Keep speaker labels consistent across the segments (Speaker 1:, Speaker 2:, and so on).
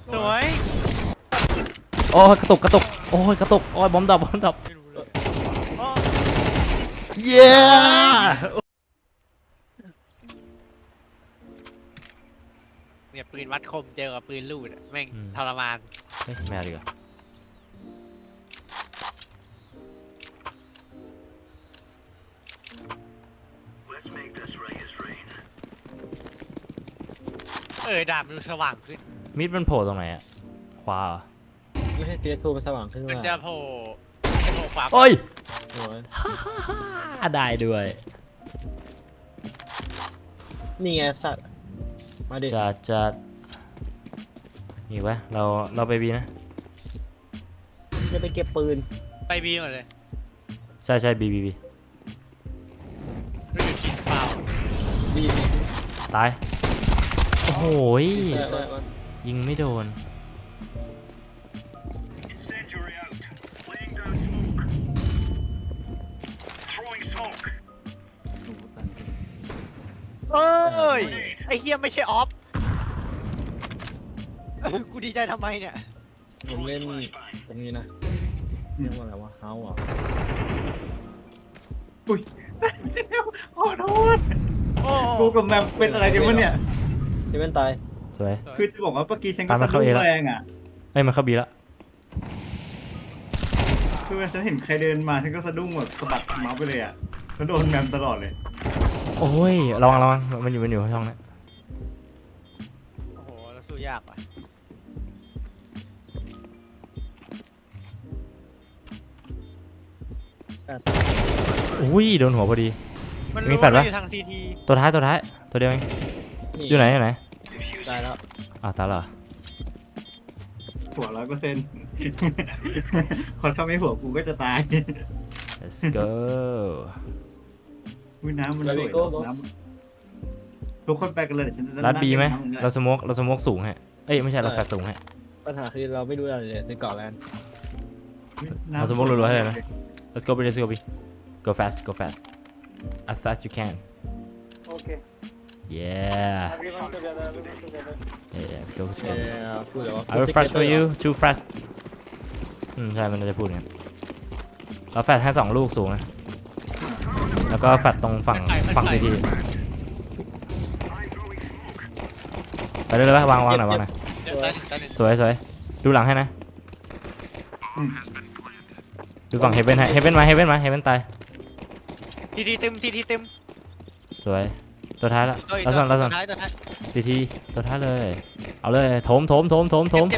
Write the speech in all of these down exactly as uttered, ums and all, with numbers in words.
Speaker 1: สวย
Speaker 2: โอ้ยกระตุกกระตุกโอ้ยกระตุกโอ้ยบอมดับบอมดับเย้
Speaker 1: เนี่ยปืนวัดคมเจอกับปืนลูดแม่งทรมาน
Speaker 2: เฮ้ยแมวดีกว่า
Speaker 1: เออดาบมันดูสว่างขึ้น
Speaker 2: มิดมันโผล่ตรงไหนอะขวา
Speaker 3: ไม่ใช่เทียทูมันสว่างขึ้นมา
Speaker 1: มันจะโผล่จะโผล่ขวา
Speaker 2: โอ้ย
Speaker 3: โอ้ย
Speaker 2: ได้ด้วย
Speaker 3: นี่ไงสัตว์มาดิ
Speaker 2: จะจะอีกวะเราเราไปบีนะ
Speaker 3: จะไปเก็บปืน
Speaker 1: ไปบีหมดเลย
Speaker 2: ใช่ใช่บีบีบี
Speaker 1: รู้อยู่ที่สปาว
Speaker 3: บีบี
Speaker 2: ตายโอ้โหยิงไม่โดน
Speaker 1: เอ้ยไอ้เฮียไม่ใช่ออฟกูดีใจทำไมเนี่ย
Speaker 3: ผมเล่นตรงนี้นะเรียกว่าอะไรวะเฮาอ่ะ
Speaker 4: อุ้ยขอโทษกูกับแมมเป็นอะไรกันวะเนี่ย
Speaker 3: จะเป็นตาย
Speaker 2: สวย
Speaker 4: คือจะบอกว่าเมื่อกี้ฉันก็สะดุ้งแรงอ่ะ
Speaker 2: เอ้ยมันเข้าบีแล้ว
Speaker 4: คือฉันเห็นใครเดินมาฉันก็สะดุ้งแบบสะบัดเมาส์ไปเลยอ่ะแล้วโดนแมมตลอดเลย
Speaker 2: โอ้ยระวังระวังมันอยู่มันอยู่ช่องนี้
Speaker 1: โอ้โหแล้วสู้ยากว่ะ
Speaker 2: อุ้ยโดนหัวพอดีมีแฟลชปะตัวท้ายตัวท้ายตัวเดียวเองอยู่ไหนอยู่ไหน
Speaker 3: ตายแล้ว
Speaker 2: อ้าวตายแล้ว
Speaker 4: หัวร้อยเปอร์เซ็นต์พอถ้าไม่หัวกูก็จะตาย
Speaker 2: let's go
Speaker 4: วิน้ำมันสวยน้ำทุกคนไปกันเลยฉันจะ
Speaker 2: รัดบีไหมเราสโมกเราสโมกสูงฮะเอ้ยไม่ใช่เราแฟลชสูงฮะ
Speaker 3: ปัญหาคือเราไม่รู้อะไรเลยในเกาะแลนด์
Speaker 2: เราสโมกรัวๆให้เลยนะ let's go B let's go B go fast go fast as fast you can
Speaker 5: okay
Speaker 2: yeah
Speaker 5: everyone together everyone together
Speaker 2: yeah go go
Speaker 3: yeah พูดแล้ว
Speaker 2: I will flash for you too fast อืมใช่มันจะพูดอย่างนี้เราแฟลชให้สองลูกสูงนะแล้วก็แฟลชตรงฝั่งฝั่งซีทีไปเลยเลยปะวางวางหน่อยวางหน่อยสวยสวยดูหลังให้นะดูฝั่งเฮเว่นให้เฮเว่นมาเฮเว่นมาเฮเว่นตาย
Speaker 1: ทีทีตึมทีทีตึม
Speaker 2: สวยตัวท้ายละลัสซันลัสซันซีทีตัวท้ายเลยเอาเลยโถมโถมโถมโถมโถม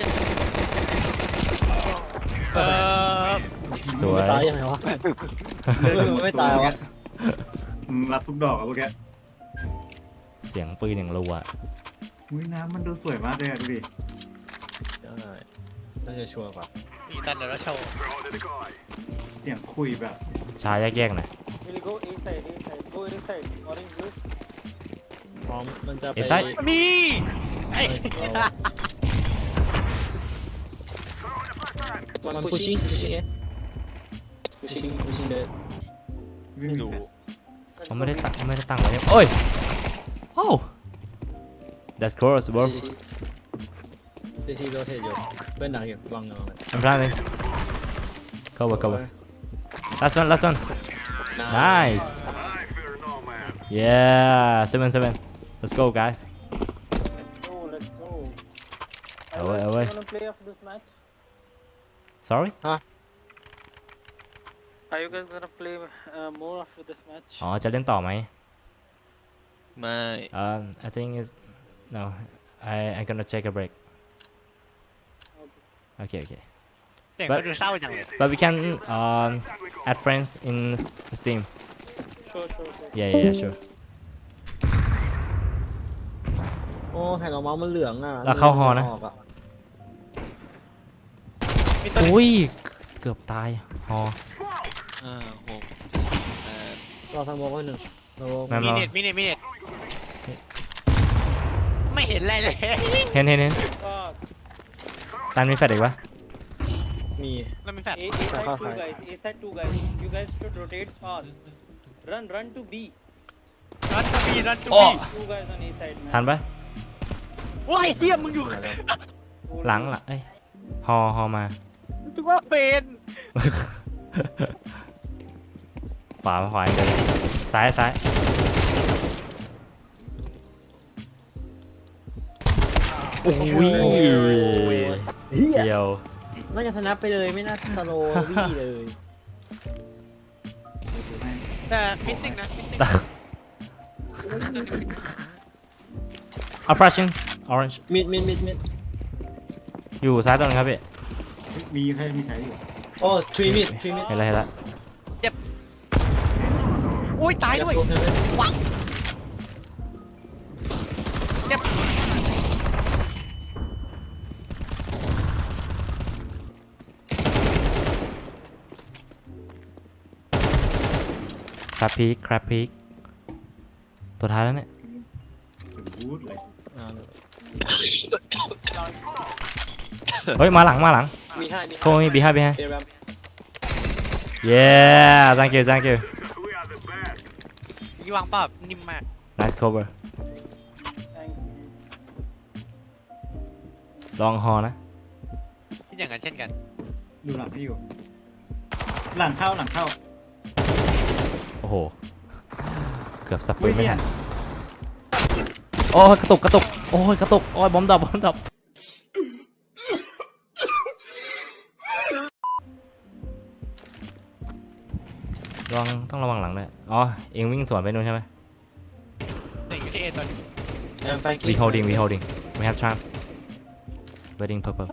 Speaker 2: สวย
Speaker 3: ตายยังไงวะไม่ตายวะ
Speaker 4: รับทุกดอกอะพวกแก
Speaker 2: เสียงปืนอย่างรัว
Speaker 4: วิน้ำมันดูสวยมากเลยอะดูดิ
Speaker 3: ใช่น่าจะชัวร์กว่า
Speaker 1: มีตันเดอร์โชว์
Speaker 4: เสียงคุยแบบ
Speaker 2: ชาแยกๆหน่อย
Speaker 5: we'll go A side A side go A side orange blue
Speaker 3: พร้อมมันจะไป
Speaker 1: มี
Speaker 3: มัน pushing pushing เอ๊ะ pushing pushing เลย
Speaker 4: ดู
Speaker 2: เขาไม่ได้ตั้งไม่ได้ตั้งไว้โอ้ยโอ้ that's close bro
Speaker 3: ที่ที่โรเทตอยู่เพื่อนดังอยู่วางเงา
Speaker 2: I'm planning cover cover last one last one nice yeah seven seven let's go guys
Speaker 5: let's go let's go
Speaker 2: away away
Speaker 5: wanna play after this match
Speaker 2: sorry
Speaker 3: huh
Speaker 5: are you guys gonna play uh, more after this match
Speaker 2: อ๋อจะเล่นต่อไหม
Speaker 1: ไม่
Speaker 2: um I think is no I I'm gonna take a break okay okay
Speaker 1: but
Speaker 2: but we can um add friends in Steam
Speaker 5: sure sure sure
Speaker 2: yeah yeah sure
Speaker 3: โอ้แผ่นออกมามันเหลืองอ่ะ
Speaker 2: แล้วเข้าฮอนะอุ้ยเกือบตายฮอ
Speaker 1: อ่าโห
Speaker 3: เราทำโมกไว้หนึ่ง
Speaker 1: มีเน็ตมีเน็ตมีเน็ตไม่เห็นอะไรเลย
Speaker 2: เห็นเห็นเห็นตันมีแฟลชอีกปะ
Speaker 3: มี
Speaker 1: แล้วมีแฟลช
Speaker 5: A side two guys A side two guys you guys should rotate fast run run to B
Speaker 1: run to B run to B
Speaker 5: two guys on A side
Speaker 2: ทันปะ
Speaker 1: ว้ายเตี้ยมึงอยู่
Speaker 5: Hold
Speaker 2: หลัง
Speaker 5: on.
Speaker 2: หลังเอ้ยฮอฮอมา
Speaker 1: ถึงว่าเป็น
Speaker 2: ขวาขวาอย่างเดียวเลยซ้ายซ้ายโอ้ยเดียว
Speaker 3: น่าจะชนะไปเลยไม่น่าสโลว์วี่เลย
Speaker 1: แต่มิสซิ่งนะมิสซิ่ง
Speaker 2: เอา flashing orange
Speaker 3: มิดมิดมิดมิด
Speaker 2: อยู่ซ้ายตรงนั้นครับพี่
Speaker 4: มีใครมีใครอยู่
Speaker 3: โอ้ทรีมิดทรีมิด
Speaker 2: เห็นแล้วเห็นแล้ว
Speaker 1: อุ้ยตายด้วยวังเจ็บ
Speaker 2: ครับพีคครับพีคตัวท้ายแล้วเนี่ย
Speaker 4: เป็นบูธเลย
Speaker 2: เฮ้ยมาหลังมาหลัง
Speaker 3: มีห้ามี
Speaker 2: โค้งบีห้าบีห้า
Speaker 3: เอรัม
Speaker 2: yeah thank you thank you
Speaker 1: ยี่วางเปล่านิ่มมาก
Speaker 2: nice cover
Speaker 5: Thanks.
Speaker 2: ลองฮอนะ
Speaker 1: ที่อย่างนั้นเช่นกัน
Speaker 4: ดูหลังให้อยู่ หลังเข้าหลังเข้า
Speaker 2: โอ้โหเกือบสป
Speaker 4: อุ้
Speaker 2: ริ
Speaker 4: ย
Speaker 2: นไม่
Speaker 4: เนี่
Speaker 2: ทั
Speaker 4: ย
Speaker 2: นโอ้ยกระตุกกระตุกโอ้ยกระตุกโอ้ยบอมดับบอมดับระวังต้องระวังหลังด้วยอ๋อเองวิ่งสวนไปนู่นใช่ไหม
Speaker 1: หนึ่งอยู่ที่เอตอนนี้
Speaker 3: แอมไฟกิ้
Speaker 2: we holding we holding we have charm waiting purple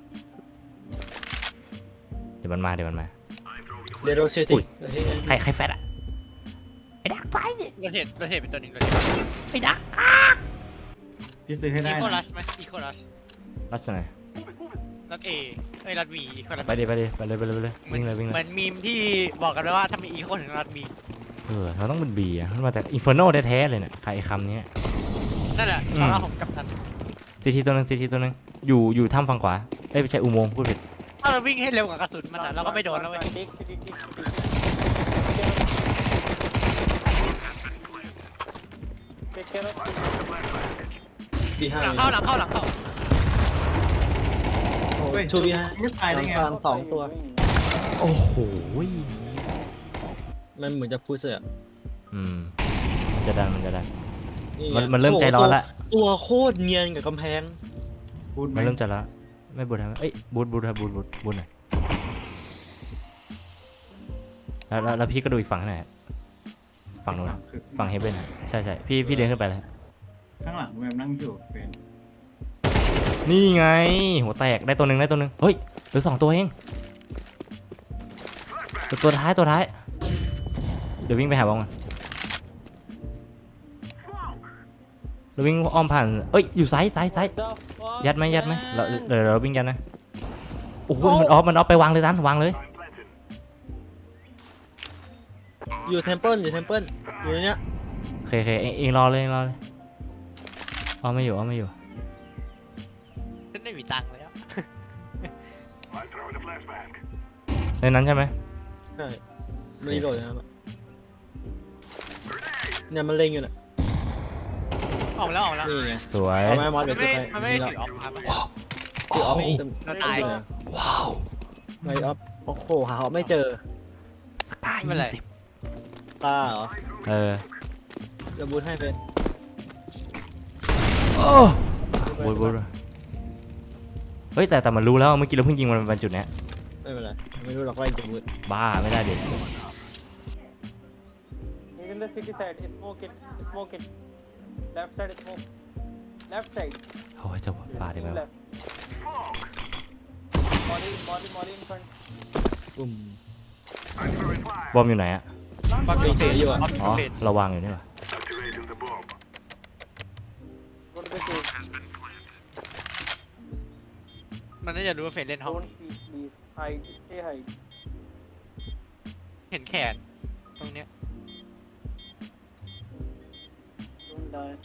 Speaker 2: เดี๋ยวมันมาเดี๋ยวมันมา
Speaker 3: เดโรเซ
Speaker 2: อุ้
Speaker 3: ติ
Speaker 2: ย ใครใครแฟดอะไอ้ดักไฟ
Speaker 1: เราเห็นเราเห็นเป็นตัวหนึ่งตัวหนึ่ง
Speaker 2: ไอ้ดัก
Speaker 4: พี่ซื้อให้ได้
Speaker 1: อีโคลั
Speaker 4: นะ
Speaker 1: สไหมอีโคลัส
Speaker 2: รัชไหน
Speaker 1: รัดเอเอ้ยรัดบีอีโคลัส
Speaker 2: ไปดิไปดิไปเลยไปเลยไปเลยวิ่งเลยวิ่ง
Speaker 1: เห
Speaker 2: เล
Speaker 1: มือย นมีมที่บอกกันไว้ว่าถ้ามีอีโคถึงรัดบี
Speaker 2: เออเราต้องเป็นบีอะมันมาจากอินฟอร์โนแท้ๆเลยเนี่ยใครไอ้คำนี้
Speaker 1: นั่นแหละ
Speaker 2: อืม
Speaker 1: สำหรับผมกับทัน
Speaker 2: ซีทีตัวหนึงซีทีตัวหนึงอยู่อยู่ถ้ำฝั่งขวาเอ้ยไม่ใช่อุโมงค์พูดผิด
Speaker 1: ถ้าเราวิ่งให้เร็วกว่ากระสุนมันอะเราก็ไม่โดนแล้วเว้ย
Speaker 5: Take city, take city. เ Take care of city.
Speaker 3: บีห้า
Speaker 1: หลังเข้าหลังเข้าหลังเข้า
Speaker 4: เฮ้ย
Speaker 3: ทูบีห้า
Speaker 4: ไม่ตายได้ไง
Speaker 3: กลางสองตัว
Speaker 2: โอ้โห
Speaker 3: มันเหมือนจะพุชอะ
Speaker 2: อืมมันจะดันมันจะดัน
Speaker 3: นี่ไง
Speaker 2: มันมันเริ่มใจร้อนละ
Speaker 3: ตัวโคตรเนียนกับกำแพง
Speaker 4: บูธไหม
Speaker 2: มันเริ่มจะละไม่บูทครับเอ้ยบูทบูทครับบูทบูทบูทหน่อยแล้วแล้วแล้วพี่ก็ดูอีกฝั่งให้หน่อยฝั่งนู้นนะ
Speaker 4: คือ
Speaker 2: ฝั่งเฮเบนอะใช่ใช่พี่พี่เดินขึ้นไปเลย
Speaker 4: ข้างหลังแมมนั่งอยู่เป็น
Speaker 2: นี่ไงหัวแตกได้ตัวหนึ่งได้ตัวหนึ่งเฮ้ยเหลือสองตัวเองตัวตัวท้ายตัวท้ายเดี๋ยววิ่งไปหาบอลก่อนเราวิ่งอ้อมผ่านเอ้ยอยู่ซ้ายซ้ายซ้าย
Speaker 5: The fuck,
Speaker 2: ยัดไหมยัดไหม
Speaker 5: man?
Speaker 2: เราเดี๋ยวเราวิ่งยัดนะโอ้โหมันออฟมันออฟไปวางเลยตันวางเลย
Speaker 3: อยู่เทมเพิลอยู่เทมเพิลอยู่ในเนี้ย
Speaker 2: โอเคโอเคเองเองรอเลยเองรอเลยอ้อมไม่อยู่อ้อมไม่อยู่
Speaker 1: ฉันไม่มีตังค์แล้ว
Speaker 2: ในนั้นใช่ไหม
Speaker 3: ใช่มันรีโหลดนะครับเนี่ยมันเล็งอยู่น่ะ
Speaker 1: ออกมาแล้วออกมาแล้ว
Speaker 3: นี่ไง
Speaker 2: สวย
Speaker 3: เอาไหมมอส
Speaker 1: มั
Speaker 3: เดี๋ย
Speaker 1: น
Speaker 3: ว
Speaker 1: ไม่
Speaker 3: จะไป
Speaker 1: มันไม่ได้ถือออฟครับ
Speaker 3: ถือออฟ
Speaker 2: โอ้โห
Speaker 3: เต็ม
Speaker 1: เราตาย
Speaker 2: ว้าว
Speaker 3: ไม่ออฟโอ้โหหาออฟไม่เจอ
Speaker 2: สกาย
Speaker 1: ไม่เป็นไร
Speaker 2: ยี่สิบ
Speaker 3: ตาเหรอ
Speaker 2: เออ
Speaker 3: จะบูทให้เป็น
Speaker 2: โอ้บูดบูดเฮ้ยแต่แต่มันรู้แล้วเมื่อกี้เราเพิ่งยิงมันเป็นจุดเนี้ย
Speaker 3: ไม่เป็นไรไม่รู้หรอกว่าจะบูท
Speaker 2: บ้าไม่ได้เด็ด
Speaker 5: He's in the city side. Smoke it. Smoke it. Left side smoke. Left side.
Speaker 2: โอ้ยจะปาดได้ไหม
Speaker 5: Still
Speaker 2: วะ
Speaker 5: left. Molly, Molly, Molly in front.
Speaker 3: ปุ่ม
Speaker 2: บอมอยู่ไหนอะ
Speaker 1: บอล
Speaker 3: ไม่เจออยู่อะ
Speaker 1: บอล
Speaker 2: อ๋อ
Speaker 1: เฟด
Speaker 2: เราวางอยู่นี่หว่า
Speaker 5: Go to the cave.
Speaker 1: มันน่าจะรู้ว่าเฟดเล่นห้อง
Speaker 5: Don't peek, please. Hide. Stay hide.
Speaker 1: เห็นแขนตรงเนี้ย
Speaker 5: Don't die.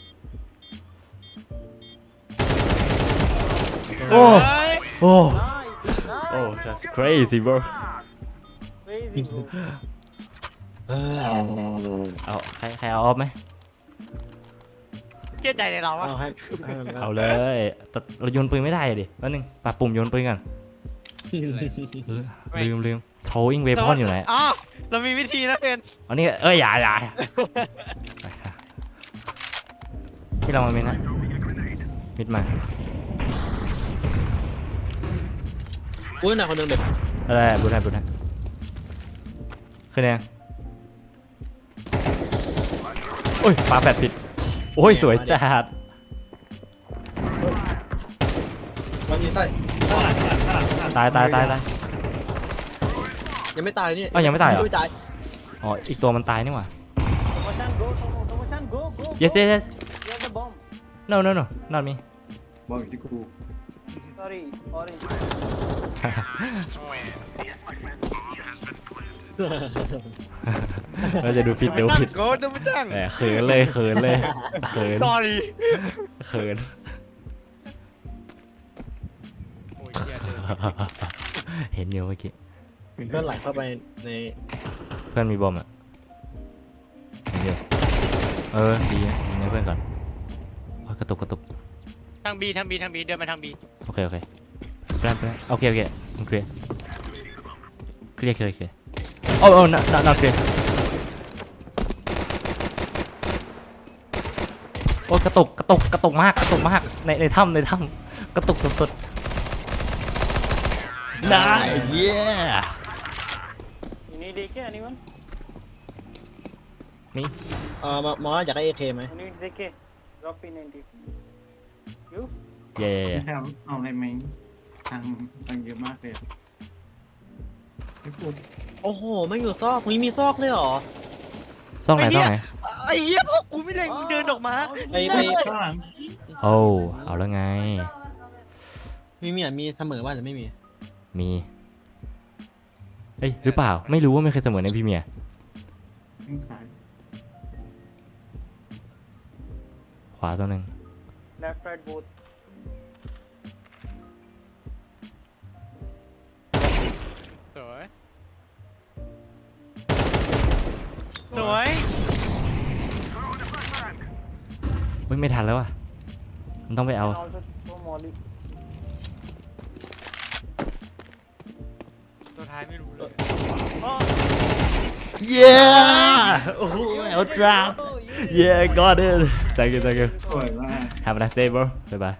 Speaker 2: โอ้
Speaker 1: เฮ้ย
Speaker 2: โอ้
Speaker 5: Nice.
Speaker 2: โอ้
Speaker 5: Nice.
Speaker 2: that's crazy bro
Speaker 5: Crazy, bro.
Speaker 3: เออ
Speaker 2: เอาใครใครเอาออฟไหม
Speaker 1: เชื่อใจในเราวะ
Speaker 3: เอาให้ให้มัน
Speaker 2: เอาเลยแต่เราโยนปืนไม่ได้อะดิแป๊บนึงปรับปุ่มโยนปืนกันลืมลืม throwing weapon อยู่ไหน
Speaker 1: อ๋อเรามีวิธีนะเพื่อน
Speaker 2: อันนี้เอ้ยอย่าอย่าที่เรามามิดนะมิดมา
Speaker 3: อุ้ยหนักคนนึงเด็ก
Speaker 2: อะไรบุญให้บุญให้ขึ้นยังโอ้ยปาแปดผิดโอ้ยสวยจัด
Speaker 3: มันยิงใต้
Speaker 2: ตายตายตายตาย
Speaker 3: ยังไม่ตายนี่
Speaker 2: อ้าวยังไม่ตายเหรอ
Speaker 3: ไม่ตาย
Speaker 2: อ๋ออีกตัวมันตายนี่หว่า
Speaker 5: Tomo-chan, go, Tomo, Tomo-chan, go, go, go.
Speaker 2: yes yes yes
Speaker 5: You have the bomb.
Speaker 2: no no no not me
Speaker 4: บอกอยู่ที่กู
Speaker 5: Sorry, orange.
Speaker 2: เราจะดูผิดดูผิด
Speaker 1: โกโดมาจัง
Speaker 2: แหมเขินเลยเขินเลยเขิน
Speaker 1: sorry
Speaker 2: เขิน
Speaker 1: โอ้ยเหี้ยเดิน
Speaker 2: เห็นอยู่เมื่อกี้
Speaker 3: เพื่อนไหลเข้าไปใน
Speaker 2: เพื่อนมีบอมอ่ะเห็นอยู่เออดีนะยิงให้เพื่อนก่อนโอ้ยกระตุกกระตุก
Speaker 1: ทางบีทางบีทางบีเดินมาทางบี
Speaker 2: โอเคโอเคแปลนแปลนโอเคโอเคเคลียร์เคลียร์เคลียร์เคลียร์โอ้โอ้ not not not เคลียร์โอ้ยกระตุกกระตุกกระตุกมากกระตุกมากในในถ้ำในถ้ำกระตุกสุดๆได้เย้
Speaker 5: You need A K, anyone?
Speaker 3: เอ่อมอสอยากได้เอเคไหม
Speaker 5: Who needs A K? Drop P ninety. You?
Speaker 2: เย้
Speaker 4: ไม่ใช่เอาอะไรไหมทางทางเยอะมากเลยไม่พูด
Speaker 3: โอ้โหไม่อยู่ซอกมีมีซอกเลยเหรอ
Speaker 2: ซ่องไหนซ่องไหน
Speaker 1: ไอ้เหี้ยพวกกูไม่เล่นมึงเดินออกมา
Speaker 3: ไอ้ไอ้
Speaker 4: ข้างหลัง
Speaker 2: โอ้เอาแล้วไง
Speaker 3: มีมีอ่ะมีเสมอว่าหรือไม่มี
Speaker 2: มีเอ้ยหรือเปล่าไม่รู้ว่าไม่เคยเสมอในพรีเมียร์
Speaker 4: ข้างซ้าย
Speaker 2: ขวาตัวหนึ่ง
Speaker 5: Left, right, both.
Speaker 1: สวยสวย
Speaker 2: อุ้ยไม่ทันแล้วอ่ะมันต้องไปเอา
Speaker 5: And also throw Molly.
Speaker 1: ตัวท้ายไม่รู้เลยโอ้
Speaker 2: เย้โอ้โหเอาจับ
Speaker 5: Oh, you.
Speaker 2: yeah got it thank you thank you
Speaker 4: สวยมาก
Speaker 2: have a nice day bro bye bye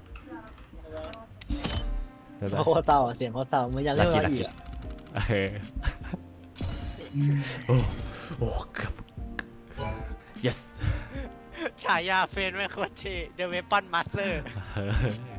Speaker 2: bye bye
Speaker 3: โคตรเต่าเสียงโคตรเต่าเหมือนอยากเล่นอะไรอีกอะ
Speaker 2: เออโอ้โอ้เกือบ yes
Speaker 1: ฉายาเฟนไม่โคตรเท่ The Weapon Master
Speaker 2: เออ